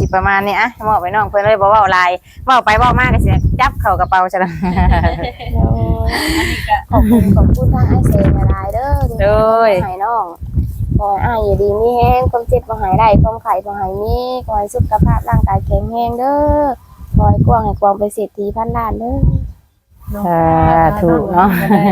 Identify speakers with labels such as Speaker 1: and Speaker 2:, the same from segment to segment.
Speaker 1: ประมาณนี้อะมอบไปน้องเพิ่นเลยบ่เว้าหลายเว้าไปเว้ามาก็สิจับเข้ากระเป๋าซะแล้ว
Speaker 2: ขอบคุณทางไอเซนหลายเด้อที่ให้น้องขอให้อ้ายอยู่ดีมีแฮงความเจ็บบ่หายได้ความไข้บ่หายมีขอให้สุขภาพร่างกายแข็งแรงเด้อขอให้กว้างให้กว้างไปเศรษฐีพันล้านเด้อ
Speaker 1: ถูกเนาะ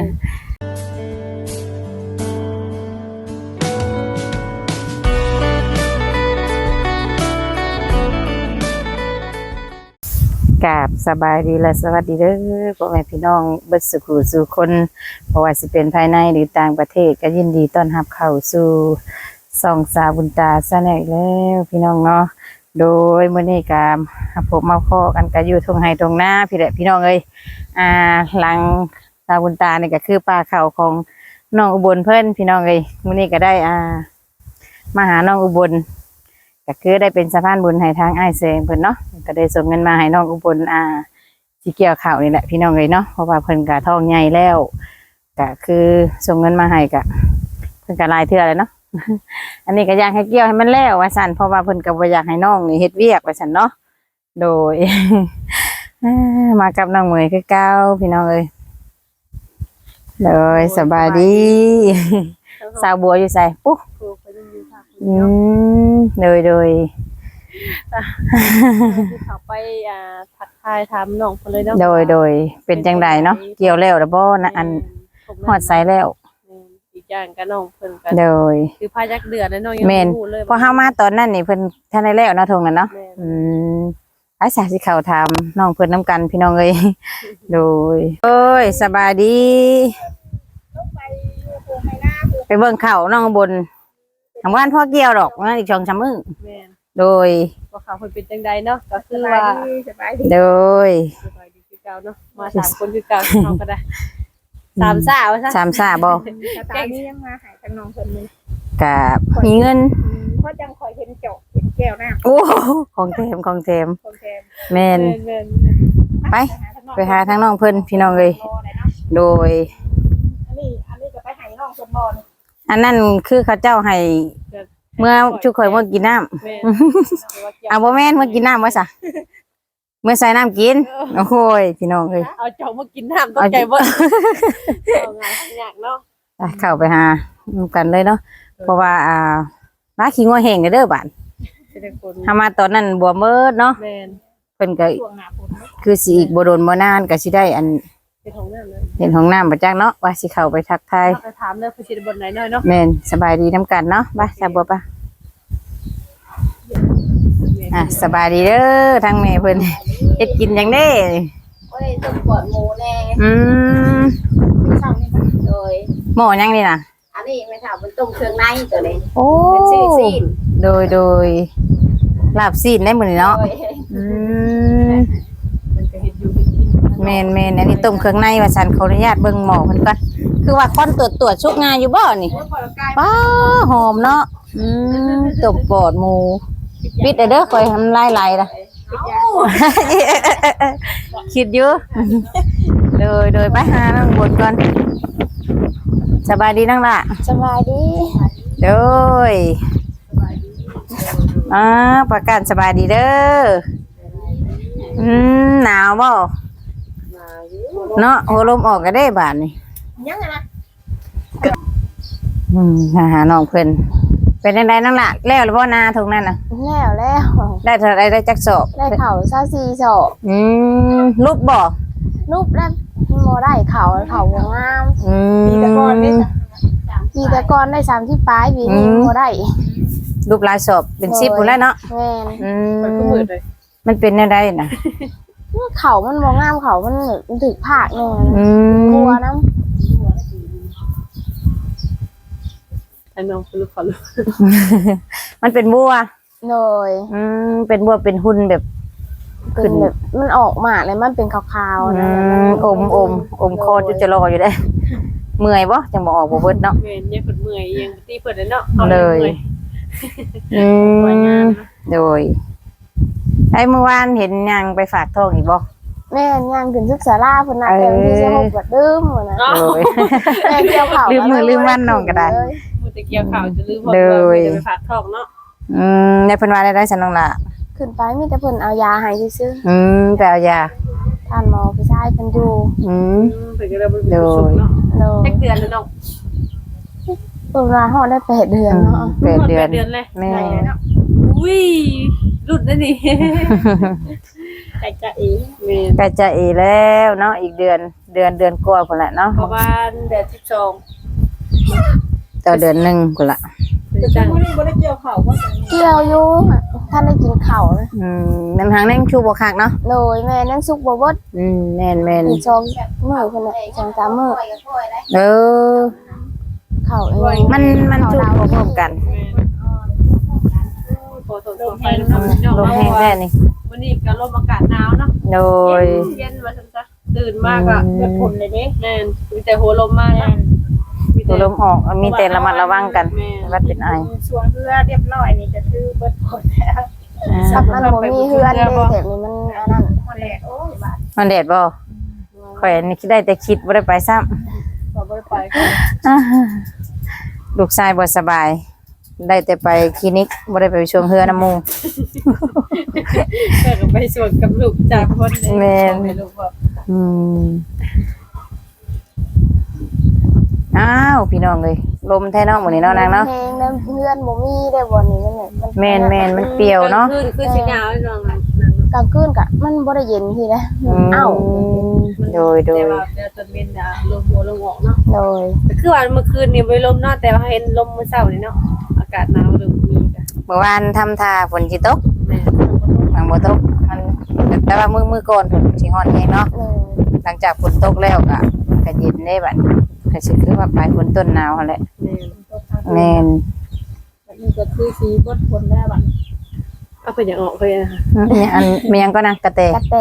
Speaker 1: กราบสบายดีและสวัสดีเด้อพ่อแม่พี่น้องเบิดสุขสู่คนเพราะว่าสิเป็นภายในหรือต่างประเทศก็ยินดีต้อนรับเข้าสู่ส่องสาวบุญตาซะแน่แล้วพี่น้องเนาะโดยมื้อนี้ก็ผมมาพอกันก็อยู่ทุ่งไร่ทุ่งนาพี่แหละพี่น้องเอ้ยหลังสาวบุญตานี่ก็คือป่าเขาของน้องอุบลเพิ่นพี่น้องเอ้ยมื้อนี้ก็ได้มาหาน้องอุบลก็คือได้เป็นสะพานบุญให้ทางอ้ายแสงเพิ่นเนาะก็ได้ส่งเงินมาให้น้องอุบลสิเกี่ยวข้าวนี่แหละพี่น้องเอ้ยเนาะเพราะว่าเพิ่นก็ท้องใหญ่แล้วก็คือส่งเงินมาให้ก็เพิ่นก็หลายเทื่อแล้วเนาะ อันนี้ก็อยากให้เกี่ยวให้มันแล้วว่าซั่นเพราะว่าเพิ่นก็บ่อยากให้น้องนี่เฮ็ดเวียกว่าซั่นเนาะโดย มากับน้องเหมยคือเก่าพี่น้องเอ้ยเลยสบายดี สาวบัวอยู่ไสปุ๊เลย
Speaker 3: เขาไปทักทายถามน้องเพิ่นเลยเนาะ
Speaker 1: โดยเป็นจังไดเนาะเกี่ยวแล้วบ่นะอันฮอดไสแล้ว
Speaker 3: อีกอย่างก็น้องเพิ่นก็
Speaker 1: โดย
Speaker 3: คือพายักเดือนแล้วน้องยัง
Speaker 1: บ่
Speaker 3: รู้เลย
Speaker 1: พอเฮามาตอนนั้นนี่เพิ่นทันได้แล้วเนาะทงนั้นเนาะอาสาสิเข้าถามน้องเพิ่นนํกันพี่น้องเอ้ยโดยโอ้ยสบายดีไปเบิ่งข้าวน้องบนทำงานพ่อเกี่ยวดอกงั้นอีก2-3มื้อโดย
Speaker 3: ว่าเขาเพิ่นเป็นจังใดเนาะก็คือว่า
Speaker 1: โดย
Speaker 3: สบายดีคือเก่าเนาะมา3คนคือเก่าเฮาก็ได้3ซ่าว่าซะ
Speaker 1: 3ซ่าบ่
Speaker 2: ตอนนี้ยังมาหาทางน้องเพิ่นเลย
Speaker 1: ก็มีเงิน
Speaker 2: เพราะจังคอยเห็นเจาะเห็นแก้วน้ำ
Speaker 1: โอ้ของแถมแม่นไปหาทางน้องเพิ่นพี่น้องเอ้ยโดย
Speaker 2: อันนี้ก็ไปให้น้องเพิ่นบ่
Speaker 1: อันนั้นคือเขาเจ้าให้เมื่อชุกข่อยเมื่อกินน้ำเอาบ่แม่นเมื่อกินน้ำว่าซะเมื่อใส่น้ำกินโอ้โหพี่น้องเอ้ย
Speaker 3: เอาเจ้ามากินน้ำต้องใจบ่เอางานยากเนาะ
Speaker 1: เข้าไปหากันเลยเนาะเพราะว่าร้านขี้งัวแห้งเด้อบ้านถ้ามาตอนนั้นบัวเมิดเนาะเพิ่นก็คือสิอีกบ่โดนบ่นานก็สิได้อันเห็นห้องน้ำประจักเนาะว่าสิเข้าไปทักทาย
Speaker 3: ถามเลยผู้ชิดบนไหนหน่อยเนาะ
Speaker 1: แม่นสบายดีน้ำกันเนาะไปสบายปะสบายดีเด้อทางแม่เพิ่นเฮ็ดกินอย่างเด้
Speaker 2: โอ้ยต้มปอดหมูแน่ช่างนี่โดย
Speaker 1: หม้อยังนี่น่ะ
Speaker 2: อันนี้ไม่ถามมันต้มเครื่องในตัวนี้
Speaker 1: โอ้
Speaker 2: เป็นซีน
Speaker 1: โดยลาบซีนได้มื้อนี้เนาะแม่นอันนี้ต้มเครื่องในว่าซั่นขออนุญาตเบิ่งหม้อเพิ่นก่อนคือว่าคนตรวจชุกงานอยู่บ่นี่ป้าหอมเนาะต้มปอดหมูปิดเด้อข่อยทำลายไหลล่ะคิดอยู่โดยไปหาน้องบนก่อนสบายดีนั่งล่ะ
Speaker 2: สบายดี
Speaker 1: โดยประกาศสบายดีเด้อหนาวบ่เนาะหัวลมออกก็ได้บาดนี่
Speaker 2: ยังไงนะ
Speaker 1: หาน้องเพิ่นเป็นจังไดนั่งล่ะแล้วหรือบ่นาทงนั้นน่ะ
Speaker 2: แล้ว
Speaker 1: ได้เท่าไรได้จักสอบ
Speaker 2: ได้เข่า24สอบ
Speaker 1: รูปบ่
Speaker 2: รูปแล้วบ่ได้เข่างามปีตะกอนได้30ปลายปีนี้บ่ได้
Speaker 1: รูปลายสอบเป็น10พุ่นแล้วเนาะ
Speaker 2: แม่น
Speaker 3: มันก็มืดเลย
Speaker 1: มันเป็นแนวใดน่ะ
Speaker 2: เขามันบ่งามเขามันถึกภาคนึงกลัวน้ำ
Speaker 3: อันน้องคือลูกขอลูก
Speaker 1: มันเป็นบัว
Speaker 2: เลย
Speaker 1: เป็นบัวเป็นหุ่นแบบ
Speaker 2: ขึ้นแบบมันออกมาเลยมันเป็นขาวๆนะ
Speaker 1: อมคอจุจะรออยู่ได้เมื่อยบ่จังบ่ออกบ่เบิดเนาะ
Speaker 3: เมื่อยยังเพิ่นเมื่อยยังตีเพิ่นเนาะ
Speaker 1: เลยโดยไอ้เมื่อวานเห็นยังไปฝากท้องอีกบ่
Speaker 2: แม่ย่างขึ้นศึกษาลาเพิ่นน่ะแต่ที่จะ6กว่าดื่มมื้อนะแม่เกี่ยวข้าว
Speaker 1: ลืมมือลืมวันน้องก็ได้
Speaker 3: มื้อตะเกี่ยวข้าวจะลืมบ่ได้ไปฝากท้องเนาะ
Speaker 1: ในเพิ่นว่าได้ซั่นน้องล่ะ
Speaker 2: ขึ้นไปมีแต่เพิ่นเอายาให้ซื่อ
Speaker 1: ไปเอายา
Speaker 2: ๆท่านหมอผู้ชายเพิ่นอยู่
Speaker 3: เพิ่นก็เลยบ่มีผู้สุขเนาะ
Speaker 2: โดย
Speaker 3: จักเดือนแล้วเนาะ
Speaker 2: เพิ่นว่าฮอดได้8เดือนเนาะ
Speaker 1: 8 เดือน
Speaker 3: 8 เดือนเลย
Speaker 1: แม่
Speaker 3: อุ้ยรุ่นนั่นนี่ใจจะเองแม่
Speaker 1: ก็จะอีแล้วเนาะอีกเดือนกว่าพุ่นแหละเนาะ
Speaker 3: ประมาณเดือน12
Speaker 1: ต่อเดือนหนึงพุ่นละ
Speaker 3: จะจังบ่ได้เกี่ยวข้าวบ่
Speaker 2: เกี่ยวอยู่ท่านได้กินข้าวนะ
Speaker 1: น้ำทางนั่งชูบ่คักเนาะ
Speaker 2: โดยแม่นั่งสุกบ่เบิด
Speaker 1: แม่น
Speaker 2: อีก2มื้อเพิ่นน่ะ2-3มื้อ
Speaker 1: เออ
Speaker 2: ข้าวเอง
Speaker 1: มันชูบ่พร้อมกัน
Speaker 3: พอตกไฟน้ำเนาะ
Speaker 1: ลมแห้งแท้นี่
Speaker 3: วันนี้ก็ลมอากาศหนาวเนาะ
Speaker 1: โดย
Speaker 3: เย็นว่าซั่นซะตื่นมากอ่ะเกิดฝนเลยเด้แม่นมีแต่หัวลมมากนะ
Speaker 1: ตัวลมออกมีแต่ระมัดระวังกันวัดเป็นไอ
Speaker 4: ช่วงเพื่อเรียบร้อยนี่ก็คือเบิดผลแล้ว
Speaker 2: สับมันบ่มีเฮือนเด้แต่นี่มันอันนั้น
Speaker 4: หมดแล้วโอ้ยบาด
Speaker 1: มันแดดบ่ข่อยนี่คิดได้แต่คิดบ่ได้ไปซ้ำ
Speaker 3: ก็บ่ได้ไปก็
Speaker 1: ลูกชายบ่สบาย ได้แต่ไปคลินิกบ่ได้ไปช่วงเฮือน้ำหมู่
Speaker 3: ก็ไปสวนกับลูกจากคนให้ลูกบอก
Speaker 1: อืมอ้าวพี่น้องเอ้ยลมแท้เนาะมื้อนี้เนาะนางเนาะ
Speaker 2: เพลงแล้วเฮือนบ่มีได้บ่นี่มันเนี่ยมัน
Speaker 1: แม่นมันเปรี้ยวเนาะ
Speaker 3: คือสิหนาวน้อง
Speaker 2: กลางคืนก็มันบ่ได้เย็นทีนะอ้าว
Speaker 1: โดย
Speaker 3: แต่ว่าเดี๋ยวตอนเย็นน่ะลมหัวลมออกเนาะ
Speaker 2: โดย
Speaker 3: คือว่าเมื่อคืนนี่บ่ลมเนาะแต่ว่าเห็นลมมื้อเช้านี่เนาะอากาศหนาวเริ่มมีจ้ะ
Speaker 1: เมื่อวานทำท่าฝนสิตก
Speaker 3: แม่
Speaker 1: มันบ่ตกมันแต่ว่ามื้อก่อนฝนสิฮ้อนแฮงเนาะ
Speaker 2: โดย
Speaker 1: หลังจากฝนตกแล้วก็เย็นได้บัดก็สิคือว่าปลายฝนต้นหนาวหั่นแหละ
Speaker 3: แม่
Speaker 1: แม่น
Speaker 4: นี่ก็คือสีเบิดผลแล้วบัด
Speaker 3: เอาไปอย่างออกเลยนะคะ
Speaker 1: มีหยังก็นะกระแต
Speaker 2: กระแต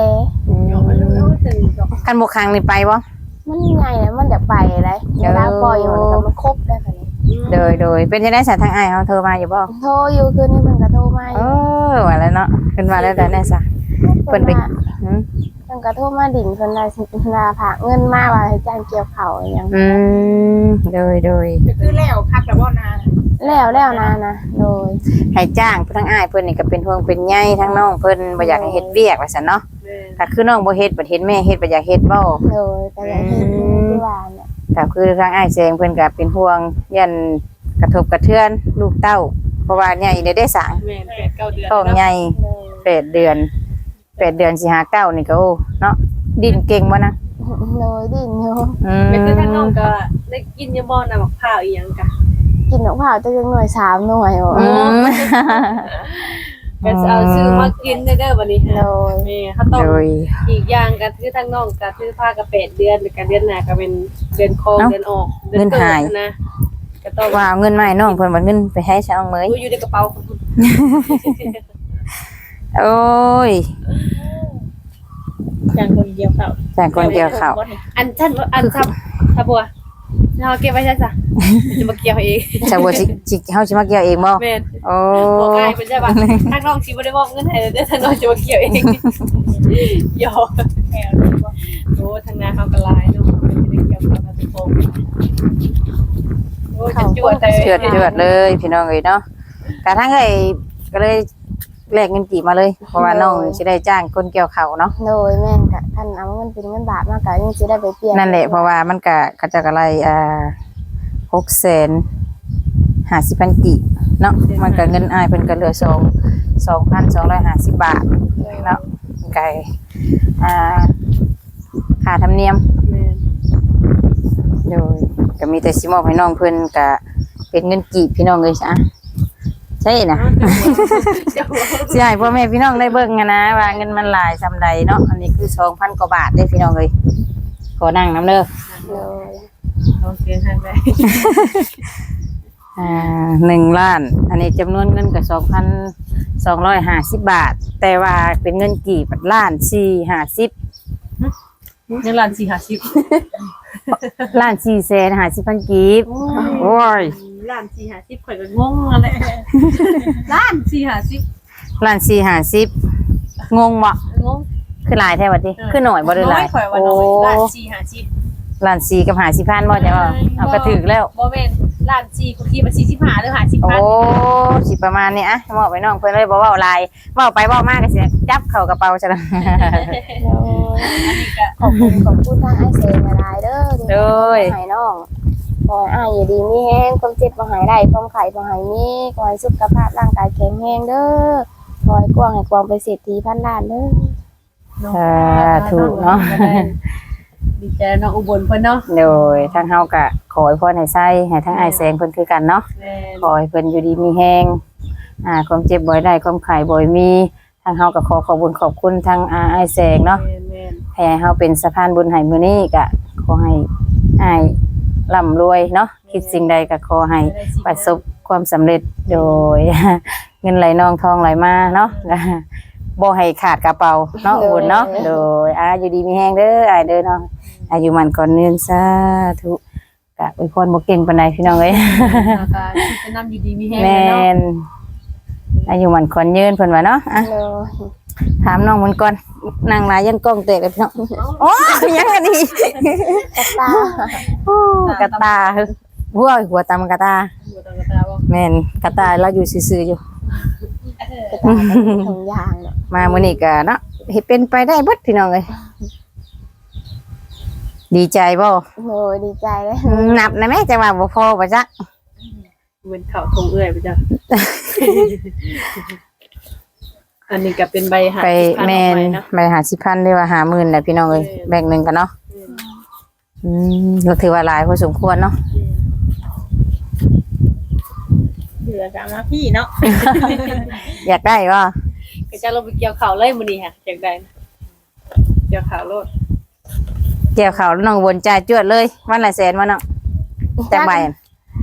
Speaker 1: คันบ่คังนี่ไปบ่
Speaker 2: มันใหญ่แล้วมันจะไปเลยเวลาปล่อยมันก็มันครบได้ค่ะนี่
Speaker 1: โดยเป็นจังได๋ซะทางอ้ายเฮาโทรมาอยู่บ่
Speaker 2: โทรอยู่คืนนี้มันก็โทรมาอ
Speaker 1: เอยู่ ว่าแล้วเนาะขึ้นมาแล้วได้แน่ซะเพิ่นไปหืม
Speaker 2: มันก็โทรมาดิ่งเพิ่นว่าสิลาฝากเงินมาว่าให้จ้างเกี่ยวข้าวอหยัง
Speaker 1: โดย
Speaker 4: ก็คือแล้วคักแล้วบ่นา
Speaker 2: แล้วนะโดย
Speaker 1: ให้จ้างทางอ้ายเพิ่นนี่ก็เป็นห่วงเป็นใยทั้งน้องเพิ่นบ่อยากให้เฮ็ดเวียกว่าซั่นเนาะ
Speaker 3: แม่
Speaker 1: ถ้าคือน้องบ่เฮ็ดบ่เห็นแม่เฮ็ดบ่อยากเฮ็ดบ่
Speaker 2: โดยแต่อย่างที่ที่ว่าเนี่ย
Speaker 1: ก็คือทางอ้ายแซงเพิ่นก็เป็นห่วงยันกระทบกระเทือนลูกเต้า เพราะว่าใหญ่ได้สร้าง
Speaker 3: แม่8-9เดือน
Speaker 1: ท้องใหญ่
Speaker 2: โดย
Speaker 1: 8 เดือนสิหาเก้านี่ก็โอ้เนาะดิ้นเก่งบ่นะ
Speaker 2: โดยดิ่งอยู่
Speaker 3: เป็นคือทางน้องก็ได้กินยาบ่น่ะบักพร้าวอีหยังกะ
Speaker 2: กินของข้าวจะยังหน่วย3หน่วยโอ้
Speaker 1: อืม
Speaker 3: ก็จะเอาซื้อมากินเด้อบัดนี้
Speaker 2: โดย
Speaker 3: แม่เขาต้อง
Speaker 1: โดย
Speaker 3: อีกอย่างก็คือทางน้องก็คือพาก็8 เดือนแล้วก็เดือนหน้าก็เป็นเดือนคองเดือนออกเดือนเกิดนะก็ต้อง
Speaker 1: ว่าเอาเงินมาให้น้องเพิ่นว่าเงินไปให้ช่างเมย
Speaker 3: อยู่ในกระเป๋าของคุณ
Speaker 1: โอ้ย
Speaker 4: อย่างคนเดียวเขา
Speaker 1: จากคนเกี่ยวข้าว
Speaker 3: อันฉันอันทับทับบัวเราเก็บไว้ใช่จ้ะจะมาเกี่ยวเอง
Speaker 1: ชาวบัวสิเฮาสิมาเกี่ยวเองบ่
Speaker 3: แม่น
Speaker 1: โอ้
Speaker 3: บอกง่ายเป็นใช่ป่ะทางน้องสิบ่ได้มอบเงินให้เด้อทางน้องจะมาเกี่ยวเองหยอกโอ้ทางนาเขาก็ลายเนาะไม่ได้เกี่ยวกับทุกคนโอ้จะจวด
Speaker 1: เจือดเลยพี่น้องเอ้ยเนาะกระทั่งเอ้ยก็เลยแลกเงินกี่มาเลย เพราะว่าน้องสิได้จ้างคนเกี่ยวข้าวเนาะ
Speaker 2: โดยแม่นก็ท่านเอาเงินเป็นเงินบาทมาก็ยังสิได้ไปเปลี่ยน
Speaker 1: นั่นแหละเพราะว่ามันก็กระจักอะไร650,000กีบเนาะมันก็เงินอ้ายเพิ่นก็เหลือ2,250 บาทเนาะไก่ค่าธรรมเนียม
Speaker 3: แม่น
Speaker 1: โดยก็มีแต่สิมอบให้น้องเพิ่นก็เป็นเงินกีบพี่น้องเอ้ยจ้ะใช่นะสิให้พ่อแม่พี่น้องได้เบิ่งอะนะว่าเงินมันหลายซำใดเนาะอันนี้คือ 2,000 กว่าบาทเด้พี่น้องเอ้ยขอนั่งนำเด้อ
Speaker 2: โดย
Speaker 3: โอเคทางไป
Speaker 1: 1 ล้าน อันนี้จำนวนเงินก็2,250 บาท แต่ว่าเป็นเงินกีบล้าน450
Speaker 3: ยังร้าน450
Speaker 1: ล้าน450,000กีบโอ้ย
Speaker 3: ร้าน450ข่อยก็งงอะไรร้าน450
Speaker 1: ล้าน450งงบ่
Speaker 3: งง
Speaker 1: คือหลายแท้บัดนี้คือหน่อยบ่ได้หลาย
Speaker 3: ข่อยว่าน้อยร้าน450
Speaker 1: ล้าน4กับ50,000บ่จ้ะว่าเอากระถึกแล้ว
Speaker 3: บ่แม่นล้าน4กูคิดว่า45หรือ
Speaker 1: โอ้
Speaker 3: 50,000
Speaker 1: สิประมาณนี้อะมอบไปน้องเพิ่นเลยบ่เว้าหลายเว้าไปเว้ามาก็สิจับเข้ากระเป๋าซะแล้ว
Speaker 2: โดยขอบคุณทางไอเซนหลายๆเด้อที่ให้น้องขอให้อ้ายอยู่ดีมีแฮงความเจ็บบ่หายได้ความไข้บ่หายมีขอให้สุขภาพร่างกายแข็งแรงเด้อขอให้กว้างให้กว้างไปเศรษฐีพันล้านเด้อ
Speaker 1: ถูกเนาะ
Speaker 3: ดีใจน้องอุบลเพิ่นเนาะ
Speaker 1: โดยทางเฮาก็ขอให้พ่อให้ไส้ให้ทั้งไอ้ายแสงเพิ่นคือกันเนาะ
Speaker 3: แม่น
Speaker 1: ขอให้เพิ่นอยู่ดีมีแฮงความเจ็บบ่อยได้ความไข้บ่อยมีทางเฮาก็ขอขอบคุณทางอ้ายแสงเนาะ
Speaker 3: แม่น
Speaker 1: ให้เฮาเป็นสะพานบุญให้มื้อนี้ก็ขอให้อ้ายร่ำรวยเนาะคิดสิ่งใดก็ขอให้ประสบความสำเร็จโดย เงินไหลนองทองไหลมาเนาะ บ่ให้ขาดกระเป๋าเนาะบุญเนาะโดยอยู่ดีมีแฮงเด้ออ้ายเด้อเนาะอายุมันก่อนเนินสาธุกะอวยพรบ่เก่งปานใดพี่น้องเอ้ย
Speaker 3: แล้วก็จะนำอยู่ดีมีแฮง
Speaker 1: แม่
Speaker 3: เลยเนาะ
Speaker 1: นอายุมันก่อนยืนเพิ่นว่าเนาะอ่ะ
Speaker 2: โดย
Speaker 1: ถามน้องมันก่อนนั่งหลายยันกล้องเตะเลยพี่น้องโอ้ยังอันนี้
Speaker 2: กระตา
Speaker 1: โอ้กระตาหัวตำกระตา
Speaker 3: อยู่ตรงกระตาบ่
Speaker 1: แม่นกระตาเราอยู่ซื่อๆอยู่
Speaker 2: กระตาเป็นถุงยางเนาะ
Speaker 1: มามื้อนี้ก็เนาะเฮ็ดเป็นไปได้เบิดพี่น้องเอ้ยดีใจบ่
Speaker 2: โดยดีใจเลย
Speaker 1: นับนะแม่จังว่าบ่พอบ่จ๊ะ
Speaker 3: เหมือนเขาทงเอื้อยไปจ้ะ อันนี้ก็เป็นใบหา
Speaker 1: ไป
Speaker 3: ที่ผ่าน
Speaker 1: แม่น
Speaker 3: ออกไปเนาะ
Speaker 1: ไปหา10,000ได้ว่า50,000น่ะพี่น้องเอ้ยแบ่งหนึงกันเนาะก็ถือว่าหลายพอสมควรเนาะ
Speaker 4: เหลือกับมาพี่เนาะ
Speaker 1: อยากได้บ่
Speaker 3: ก็จะลงไปเกี่ยวข้าวเลยมื้อนี้ค่ะจังได๋เกี่ยวข้าวโลด
Speaker 1: เกี่ยวข้าวน้องวนจ่ายจวดเลยวันละแสนว่าเนาะจักใบอะ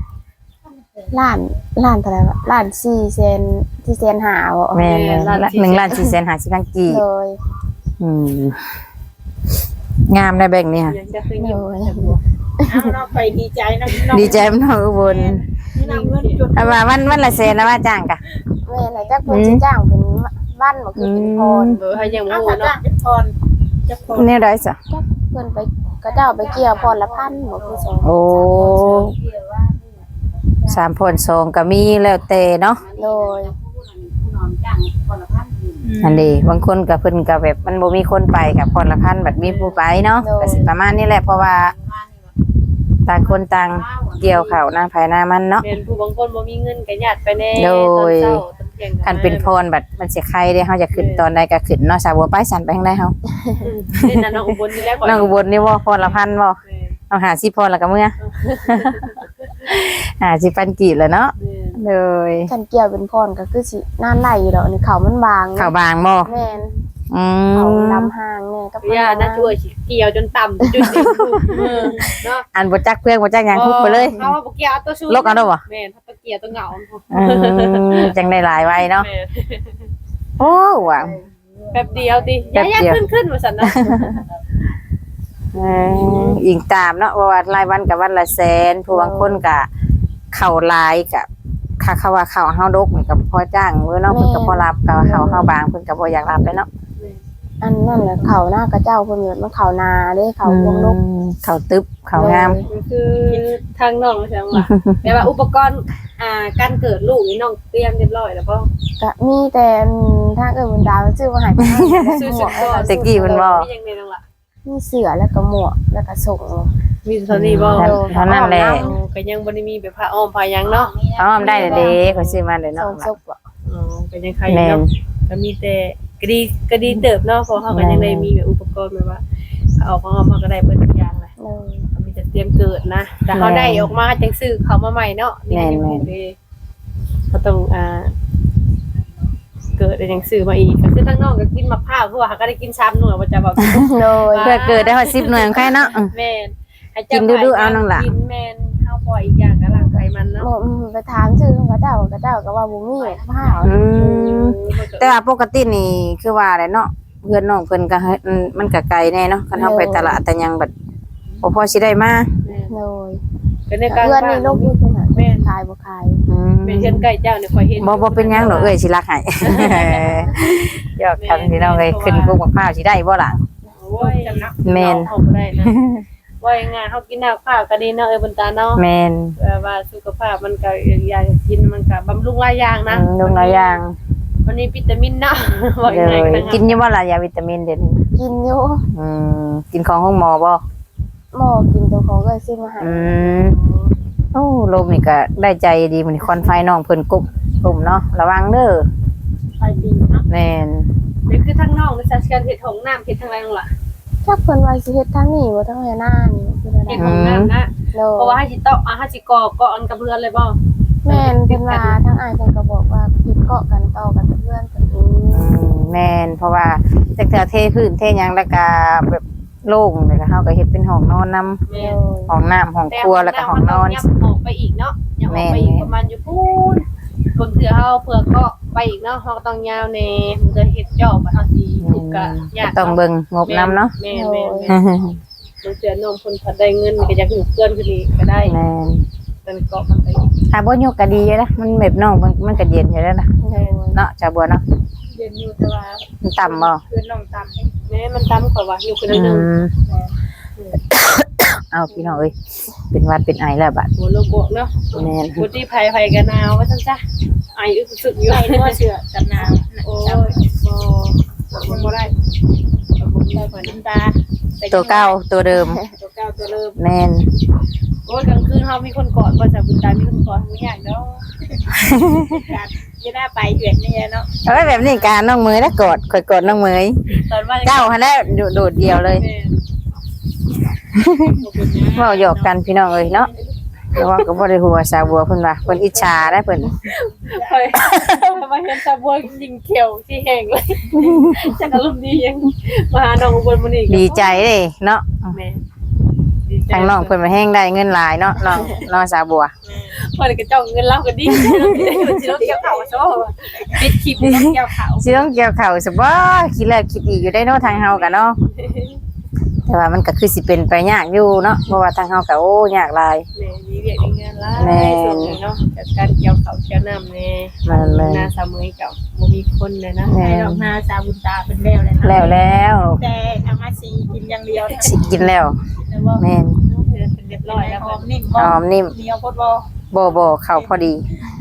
Speaker 2: ล้านเท่าไหร่วะล้าน4 เซน5บ่
Speaker 1: แม่น1,450,000กีบ
Speaker 2: โดย
Speaker 1: งามได้แบ่งนี่ค่ะ
Speaker 3: ยังจะเคยยิ้ม
Speaker 4: เอาเนาะไปดีใจนะพี่น้อง
Speaker 1: ดีใจมันเอาอุบล
Speaker 4: นี่นำเงินจด
Speaker 1: เอาว่าวันละแสนนะว่าจ้างกะ
Speaker 2: แม่น่ะจักเพิ่นสิจ้างเป็นวันบ่คือเป็นพร
Speaker 3: เบอร์ให้ยัง
Speaker 4: เอา
Speaker 3: บ่
Speaker 4: ถ้า
Speaker 3: เนาะ
Speaker 4: จ้างเป็นพรจะพร
Speaker 1: เนี่ยได้จ้ะ
Speaker 2: เพิ่นไปก็เจ้าไปเกี่ยวพรละพันบ่คือ2
Speaker 1: โอ้3พน2ก็มีแล้วแต่เนาะ
Speaker 2: โดย
Speaker 1: อันนี้บางคนก็เพิ่นก็แบบมันบ่มีคนไปกับพรละพันบัดมีผู้ไปเนาะก็สิประมาณนี้แหละเพราะว่าต่างคนต่างเกี่ยวข้าวหน้าภายหน้ามันเนาะ
Speaker 3: แม่นผู้บางคนบ่มีเงินก็ญาติไปแน่
Speaker 1: โดย
Speaker 3: ตอนเช้าตอนเที่ยง
Speaker 1: คันเป็นพรบัดมันสิใครได้เฮาจะขึ้นตอนใดก็ขึ้นเนาะสาวบัวไปสั่นไปทางใดเฮา
Speaker 3: นี่น่ะน้องอุบลนี่แหละก่อน
Speaker 1: น้องอุบลนี่บ่พรละพันบ่เอา50พรแล้วก็เมื่อ 50,000กีบแล้วเนาะเลย
Speaker 2: คันเกี่ยวเป็นพรก็คือสินานไหลอยู่ดอกนี่เขามันบาง
Speaker 1: ข้าวบางบ่
Speaker 2: แม่น
Speaker 1: อื
Speaker 2: เขา
Speaker 1: ม
Speaker 2: ลำห่างแน่กับ
Speaker 3: ย่าน่าช่วยสิเกี่ยวจนต่ำจนดิ่งเนาะ
Speaker 1: อันบ่จักเพื่อนบ่จักหยังคุกไปเลย
Speaker 3: เขาว่าบ่เกี่ยวเอาตัวชู
Speaker 1: ลกเอาเด้อบ่
Speaker 3: แม่นถ้าตัวเกี่ยวตัวเหงา
Speaker 1: จังได้หลายไว้เนาะ
Speaker 3: แม่น
Speaker 1: โอ้ว่ะ
Speaker 3: แป๊บเดียวติ
Speaker 1: แป๊บ
Speaker 3: ย่า
Speaker 1: เดียว
Speaker 3: ขึ้นว่าซั่นนะ
Speaker 1: อิงตามเนาะว่ารายวันกับวันละแสนผู้บางคนก็เข้าหลายกับค่าว่าเข้าเฮาดกนี่ก็พอจ้างเด้อเนาะเพิ่นก็พอรับก็เข้าเฮาบางเพิ่นก็บ่อยากรับเลยเนาะ
Speaker 2: อันนั่นแหละเขาหน้ากระเจ้าเพิ่นมันเขานาเด้เขาวงนก
Speaker 1: เข้าตึบเข้างาม
Speaker 3: คือทางน้องใช่ไหมแต่ว่าอุปกรณ์การเกิดลูกนี่น้องเตรียมเรียบร้อยแล้วบ่
Speaker 2: ก็มีแต่ถ้าเกิดมันดาวชื่อว่าหายไปให้
Speaker 3: ซื้อ
Speaker 2: หม
Speaker 3: ชุ
Speaker 2: ว
Speaker 3: ด
Speaker 2: ก
Speaker 3: ก่อน
Speaker 1: ตะกี้มันบ่
Speaker 3: มียังไงน้องล่ะ
Speaker 2: มีเสือแล้วก็หมวกแล้วก็ส่ง
Speaker 3: มีเท่านี้บ่
Speaker 1: เท่านั้นแหละ
Speaker 3: ก็ยังบ่ได้มีแบบผ้าอ้อมผ้าหยังเนาะ
Speaker 1: อ้อมได้เด้เขาซื้อมาเลย
Speaker 2: ส่
Speaker 1: เนาะ
Speaker 2: งศพอ่ะ
Speaker 3: อ๋อก็ยังใคร
Speaker 1: แม่น
Speaker 3: เนาะก็มีแต่ก็ดีเติบเนาะเพราะเขาก็ยังได้มีแบบอุปกรณ์แบบว่าเอาของเขามาก็ได้เบิดทุกอย่างเลย
Speaker 2: เลย
Speaker 3: เขามีแต่เตรียมเกิดนะแต่เขาได้ออกมาจังซื้อเขามาใหม่เนาะนี่ก็ยังบ่ได้เขาต้องเกิดได้จังซื้อมาอีกก็คือทั้งน้องก็กินมะพร้าวเพราะว่าเขาก็ได้กิน3หน่วยว่าจะแบบ
Speaker 2: เลย
Speaker 1: เพื่อเกิดได้ฮอด10หน่วยของใครเนาะ
Speaker 3: แม่นให้
Speaker 1: กินดูๆเอาน้องล่ะ
Speaker 3: กินแม่นเฮาปล่อยอีกอย่างก็ร่างกายมันเนาะ
Speaker 2: ไปถามชื่อของกระเจ้าก็ว่าบ่มีผ้า
Speaker 1: แต่ว่าปกตินี่คือว่าอะไรเนาะเพื่อนน้องเพิ่นก็ให้มันก็ไกลแน่เนาะคันเฮาไปตลาดแต่ยังแบบบ่พอสิได้มา
Speaker 2: เลย
Speaker 3: ก็ในการ
Speaker 2: เพื่อนนี่ลูกนี่เป็นแม่ขายบ่ขาย
Speaker 3: เป็นเช่นไก่เจ้าเนี่ยคอยเห็น
Speaker 1: บ่เป็นหยังดอกเอ้ยสิรักให้ ยอกกันพี่น้องเอ้ยขึ้นพวกมะพร้าวสิได้บ่ล่ะ
Speaker 3: โอ้ยจำนะ
Speaker 1: แม่น
Speaker 3: เอาบ่ได้นะว่าง่ายๆเฮากินน้ำข้าวก็ดีเนาะบุญตาเนาะ
Speaker 1: แม่น
Speaker 3: แบบว่าสุขภาพมันก็อยากกินมันก็บำรุงหลายอย่างนะ
Speaker 1: ลงหลายอย่าง
Speaker 3: วันนี้วิตามินเนาะว่า
Speaker 1: เล
Speaker 3: ง่าย
Speaker 1: ย
Speaker 3: ๆ
Speaker 1: กินอยู่บ่ล่ะยาวิตามินเดี๋ยวนี้
Speaker 2: กินอยู่
Speaker 1: กินของห้องหมอบ่
Speaker 2: หมอกินตัวของเลยซื้อมาให้
Speaker 1: โอ้ลมนี่ก็ได้ใจดีมันควันไฟน้องเพิ่นกุบกลุ่มเนาะระวังเด้อ
Speaker 4: ไปดีเนาะ
Speaker 1: แม่น
Speaker 3: นี่คือทั้งน้องและการเฮ็ดของน้ำเฮ็ดทางไรนั่นล่ะ
Speaker 2: จักเพิ่นว่าสิเฮ็ดทางนี้บ่ทางหน้านี่คืออะไร
Speaker 3: เฮ็ดของน้ำนะ
Speaker 2: โล
Speaker 3: เพราะว่าให้สิเตาะให้สิก่ออันกับเรือนเลยบ่
Speaker 2: แม่นเพิ่นว่าทางอ้ายเพิ่นก็บอกว่าเฮ็ดเกาะกันต่อกันกับเพื่อนเพิ่น
Speaker 1: แม่นเพราะว่าจักเทื่อเทพื้นเทหยังแล้วก็แบบโล่งเลยก็เฮาก็เฮ็ดเป็นห้องนอนนำ
Speaker 3: แม่
Speaker 1: ห้องน้ำห้องครัวแล้วก็ห้องนอน
Speaker 3: ยับออกไปอีกเนาะยับออกไปอีกประมาณอยู่พูนคนเถื่อเฮาเผื่อก็ไปอีกเนาะเฮาก็ต้องยาวแน่มันจะเฮ็ดจอบมาเฮาสิถูกก็ยาก
Speaker 1: ต้องเบิ่งงบนำเนาะ
Speaker 3: แม่มันเถื่อน้องคนพอได้เงินก็อยากอยู่เพื่อนคือนี่ก็ได้
Speaker 1: แม่น
Speaker 3: เป็นเกาะมันไป
Speaker 1: ถ้าบ่ยกก็ดีอยู่นะมันแบบน้องมันก็เย็นอยู่แล้วนะเนาะจ้าบัวเนาะ
Speaker 4: เย็นอยู่แต่ว่า
Speaker 1: มันต่ำบ่
Speaker 4: คืนน้องต่ำให้
Speaker 3: แม่มันตามกว่าว่าอยู่คนนึง
Speaker 1: เอาพี่น้องเอ้ยเป็นหวัดเป็นไอแล้วบัด
Speaker 3: หัวโลโกเนาะ
Speaker 1: แม่น
Speaker 3: บ่ที่ภัยกันหนาวว่าซั่นจ้ะไออึกสึกอยู่
Speaker 4: ใส่นัวเสือกับน้ำ
Speaker 3: โอ้
Speaker 4: จับ
Speaker 3: ยบ่ได้บ่ได้
Speaker 4: ใส่น้ำตา
Speaker 1: ตัวเก่าตัวเดิม
Speaker 3: ตัวเก่าตัวเริ่ม
Speaker 1: แม่น
Speaker 3: โอ้ยกลางคืนเฮามีคนกอดบ่จ้ะบุญตามีคนกอดบ่ยากเนาะ
Speaker 4: การจะได้ไปเหือนนี่เนาะ
Speaker 1: เอ้ยแบบนี้การน้องมือแล้วกดข่อยกดน้องมือ
Speaker 3: ตอนว่า
Speaker 1: เจ้าหั่นแหละโดดเดียวเลยเว้าหยอกกันพี่น้องเอ้ยเนาะแต่ว่าก็บ่ได้หัวสาวบัวเพิ่นว่าเพิ่นอิจฉาได้เพิ่น
Speaker 3: ไปมาเห็นตาบัวยิงเขียวที่แห้งเลยจักอารมณ์ดียังมาหาน้องอุบลมื้อนี้
Speaker 1: ดีใจเด้เนาะ
Speaker 3: แม่
Speaker 1: ทางน้องเพิ่นมาแห้งได้เงินหลายเนาะน้องสาวบัว
Speaker 3: พอได้กระจ้องเงินเราก็ดีสิเราเกี่ยวข้าวโซ่ปิดคลิปนี่เกี่ยวข้าว
Speaker 1: สิต้องเกี่ยวข้าวซะบ่คิดแล้วคิดอีกอยู่ได้เนาะทางเฮาก็เนาะแต่ว่ามันก็คือสิเป็นไปยากอยู่เนาะเพราะว่าทางเฮาก็โอ้ยากหลาย
Speaker 3: แม่มีเวียกมีงานหลายส่วนนี้เนาะจัดการเกี่ยวข้าวเกี่ยวน้ำแน่หน้าสามมื้อกับบ่มีคนเลยนะ
Speaker 1: แม่
Speaker 4: ให้ดอกนาซาบุญตาเป็นแล้วเลยนะ
Speaker 1: แล้ว
Speaker 4: แต่ทำมาสีกินอย่างเดียว
Speaker 1: สิกินแล้ว
Speaker 4: แต่ว่า
Speaker 1: แม่น
Speaker 3: เรียบร้อยแล้ว
Speaker 4: ห
Speaker 3: ก็
Speaker 4: อมนิ่ม
Speaker 1: หอมนิ่ม
Speaker 4: เหนียวโคตรบ่
Speaker 1: บ่เข้าพอดี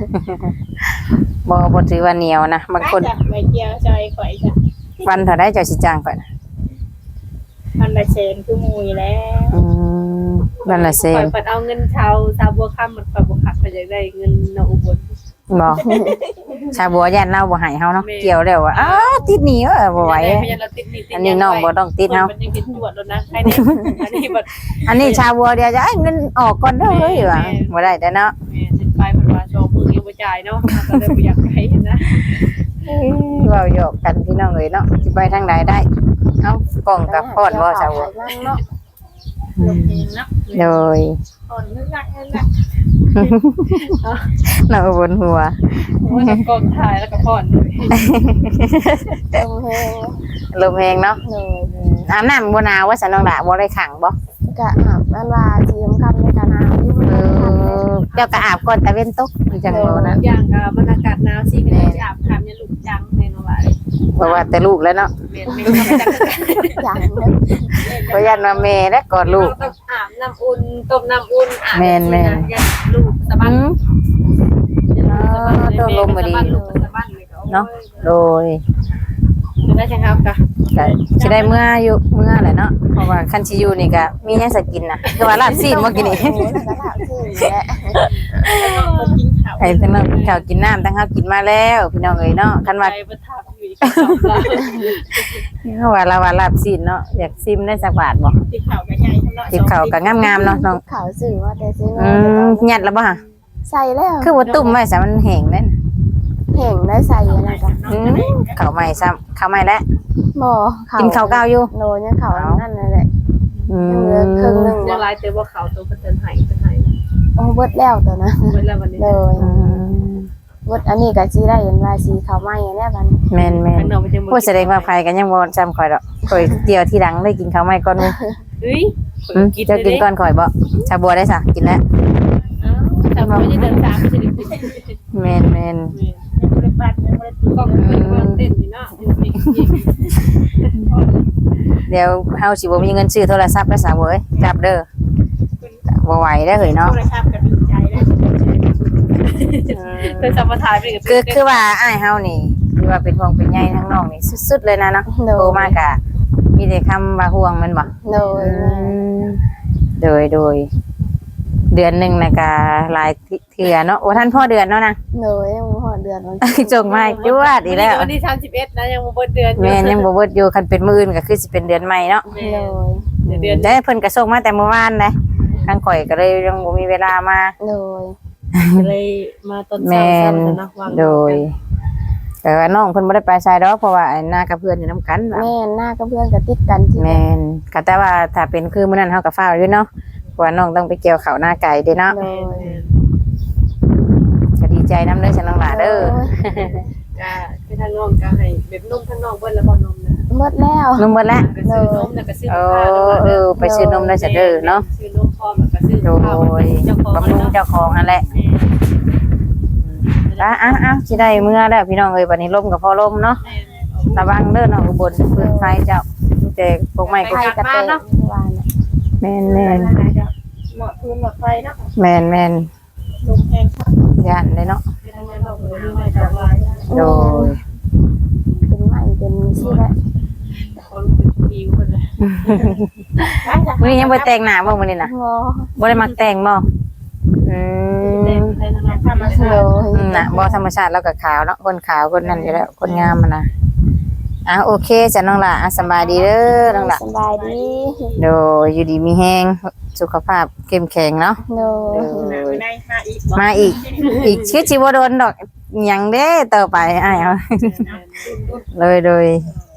Speaker 1: บ่ถือว่าเหนียวนะบางคน
Speaker 4: จ้ะใบเกียวใจข่อยจ้ะ
Speaker 1: วันเท่าได้เจ้าสิจ้างก่อนนะ
Speaker 4: พันละเชนคือมูยแล้ว
Speaker 1: วันละเซ
Speaker 3: ปล่
Speaker 1: น
Speaker 3: อยปัดเอาเงินชาวบัวค่ำมันปล่อยบัวขับไปอยากได้เงินน้องอุบล
Speaker 1: บ่ชาวบัวย่านเล่าบ่ให้เฮาเนาะ
Speaker 3: แม่
Speaker 1: เกี่ยวแล้วว่าอ้าติดหนีบ่ไหว
Speaker 3: พยานเราติดนี่ติด
Speaker 1: อันนี้น้องบ่ต้องติดเฮา
Speaker 3: มันยังติดตรวจแล้วนะใครเนี่ยอันนี้บัด
Speaker 1: อันนี้ชาวบัวเดียวจะเงินออกก่อนเด้อเฮ้ยว่าบ่ได้แต่เนาะ
Speaker 3: แม่ติดไปมันว่าโชว์มือยังบ่จ่ายเนาะก็เลยบ่อยากให้นะ
Speaker 1: เว้าหยอกกันพี่น้องเอ้ยเนาะสิไปทางใดได้เอ้ากล้องกับพอดบ่ชาวบัว
Speaker 2: เนาะ
Speaker 4: ลงเองเนาะ
Speaker 1: โดย
Speaker 4: อ่อนนึกรักนึกรัก
Speaker 1: น้องบนหัว
Speaker 3: โอ้ยกองถ่ายแล้วก็ผ่อนเลย
Speaker 2: ตรงแฮง
Speaker 1: ลมแฮงเนาะ
Speaker 2: เลย
Speaker 1: อาบน้ำบ่หนาวว่าสันน้องดาบ่ได้ขังบ่
Speaker 2: กะอาบมันว่าสิยำคำในกะนาอยู่มันคันเลย
Speaker 1: เจ้าก็อาบก่อนตะเว้นตกจังโลนะ
Speaker 3: อย่างบรรยากาศหนาวสิก็ได้อาบน้ำยันลูกจังแม่นว่า
Speaker 1: เพราะว่าแต่ลูกแล้วเนาะ
Speaker 3: แม่ไม่ต้องจัง
Speaker 2: อย่างนึง
Speaker 1: เพราะยันมาแม่และกอดลูก
Speaker 3: ต้องอาบน้ำอุ่นต้มน้ำอุ่นอาบ
Speaker 1: แม่น
Speaker 3: ยันลูกสะบัด
Speaker 1: เนาะโดย
Speaker 3: ได้ใช่ครับค่ะ
Speaker 1: ก็สิได้เมื่ออยู่เมื่อแหละเนาะเพราะว่าคันสิอยู่นี่ก็มีหยังสิกินน่ะคือว่าลาบซีนเมื่อกี้นี่
Speaker 2: โอ้ยแล้วก็ถามชื่อแหละ
Speaker 4: คนกินข้าว
Speaker 1: ให้ทั้งน้องกินข้าวกินน้ำทั้งเฮากินมาแล้วพี่น้องเอ้ยเนาะคันว่า
Speaker 3: ไปประทับอยู่ที่เขาเรา
Speaker 1: เฮาว่าลาบซีนเนาะอยากซิมได้สักบาทบ่
Speaker 4: ติดข้าวกับใหญ่ทั้งเนาะ
Speaker 1: ติบข้าวก็งามๆเนาะน้อง
Speaker 2: ข่าวสื่อว่าแต่ซื้อ
Speaker 1: ยัดแล้วบ่ฮะ
Speaker 2: ใส่แล้ว
Speaker 1: คือว่าตุ่มไว้ซะมันแห้งเด้น
Speaker 2: แห่งได้ใส่อะไรกัน
Speaker 1: ข้าวใหม่ซ้ำข้าวใหม่แล้ว
Speaker 2: บ่
Speaker 1: กินข้าวเก่าอยู่
Speaker 2: โนยังข่าวนั่นแหละ
Speaker 1: อื
Speaker 2: ยังเหลือครึ่ง
Speaker 1: ม
Speaker 2: นึง
Speaker 3: เดี๋ยวไล่เตะว่าเขาตัวเป็นเตือนหายเป็นหาย
Speaker 2: โอ้เบิดแล้วตัวนะ
Speaker 3: เวลาวันนี้
Speaker 2: เลย เบิดอันนี้ก็สิได้เห็นว่าสีขาวไหม้แน่บัด
Speaker 1: แม่นแม่
Speaker 3: ข้าน งนอกมันจะ
Speaker 1: พูดแสดงว่าใครกันยังบ่จำข่อยดอกข่อยเดียวที่หลังได้กินข้าวใหม่ก่อนหมู่
Speaker 3: เฮ้ย
Speaker 1: เจ้ากินก่อนข่อยบ่ชาบัวได้ซะกินแล้ว
Speaker 3: แต่ผมจะเดินตามจะได้กิน
Speaker 1: แม่นแม่น
Speaker 4: บริบาตไม่ได้ติด
Speaker 3: กล้องเป็นเต้นอยู่เนาะ
Speaker 1: เดี๋ยวเฮาสิบ่มีเงินซื้อโทรศัพท์แล้วสาวเว้ยจับเด้อบ่ไหวได้อเฮ้ยเนาะ
Speaker 4: โทรศัพท์ก็ดีใจแล้ว
Speaker 3: เป็นสัมปทานไปกับ
Speaker 1: คือว่าอ้ายเฮานี่คือว่าเป็นห่วงเป็นใยทั้งน้องนี่สุดๆเลยนะเนาะโทรมากะมีแต่คำว่าห่วงแมันบ่
Speaker 2: โดย
Speaker 1: โดยเดือนหนึงน่ะก็หลายเทื่อเนาะโอ้ท่านพ่อเดือนเนาะนะ
Speaker 2: โดยยังบ่ฮอดเดือนวัน
Speaker 1: จงมาจวดอีกแล้ว
Speaker 3: วันที่31นะยังบ่เบิดเดือน
Speaker 1: แม่นยังบ่เบิดอยู่คันเป็นมื้ออื่นก็คือสิเป็นเดือนใหม่เนาะ
Speaker 3: แม่
Speaker 2: โดย
Speaker 3: เดือน
Speaker 1: ได้เพิ่นก็ส่งมาแต่เมื่อวานเลยทางข่อยก็เลยยังบ่มีเวลามา
Speaker 2: โดย
Speaker 3: เลยมาตอนเช้า
Speaker 1: แม่น
Speaker 3: ๆเนาะวาง
Speaker 1: โดยแต่ว่าน้องเพิ่นบ่ได้ไปไสดอกเพราะว่าไอ้หน้ากับเพื่อนอยู่นํกันล่ะ
Speaker 2: แม่หน้ากับเพื่อนก็ติดกันที่
Speaker 1: แม่นก็แต่ว่าถ้าเป็นคือมื้อนั้นเฮาก็ฟ้าวอยู่เนาะเพราะว่าน้องต้องไปเกี่ยวข้าวหน้าไก่เด้เนาะ
Speaker 2: โดย
Speaker 1: ก็ดีใจนำเด้อฉันน้องหลาเด้อ
Speaker 3: ก็คือทางน้องก็ให้แบบนมทางน้องเบิดแล้วบ่นมนะ
Speaker 2: หมดแล้ว
Speaker 1: นุ่มเบิดแล้ว
Speaker 3: ก็ซื้อนมแล้วก็ซื้อ
Speaker 1: เอ
Speaker 3: ข้าว
Speaker 1: อไปซื้อนมได้ซะเด้อเนาะ
Speaker 3: ซื้อนมพร้อมแล้วก็ซื้อ
Speaker 1: โด
Speaker 3: ข้าวย เจ้าของ
Speaker 1: บำรุงเจ้าของนั่นแหละอ้าวสิได้เมื่อแล้วพี่น้องเอ้ยบัดนี้ลมก็พอลมเนาะระวังเด้อเนาะอุบลปืนไฟเจ้ามีแต่พวกไม้ก็
Speaker 2: ไข่กระเตงวานน่ะ
Speaker 1: แม่น
Speaker 4: เหมาะพื้นหมดไฟเนาะ
Speaker 1: ๆแม่น
Speaker 4: ลมแห้งครับ
Speaker 1: ๆย่านเลยเนาะ
Speaker 3: ทางนั้นเราก็มีให้ดอกไม้
Speaker 1: โดย
Speaker 2: เป็นไม้เป็นชื่อแล้ว
Speaker 3: คนเป็นผิวคนเลย
Speaker 1: มื้อนี้ยังบ่แต่งหน้าบ่มื้อนี้น่ะ
Speaker 2: งอ
Speaker 1: บ่ได้มักแต่งบ่อื
Speaker 3: เต็
Speaker 1: ม
Speaker 3: มให้ทางน้อง
Speaker 4: ธรรมชา
Speaker 2: โด
Speaker 4: ติ
Speaker 2: ย
Speaker 1: น่ะบ่ธรรมชาติแล้วก็ขาวเนาะคนขาวคนนั้นอยู่แล้วคนงามมันน่ะโอเคจ้ะน้องล่ะสบายดีเด้อน้องล่ะ
Speaker 2: สบายดี
Speaker 1: โดยอยู่ดีมีแฮงสุขภาพเข้มแข็งเนาะ
Speaker 2: โดย
Speaker 4: ในมาอีก
Speaker 1: มาอีกชื่อชิวโดนดอกหยังเด้ต่อไปอ้ายเอาเลย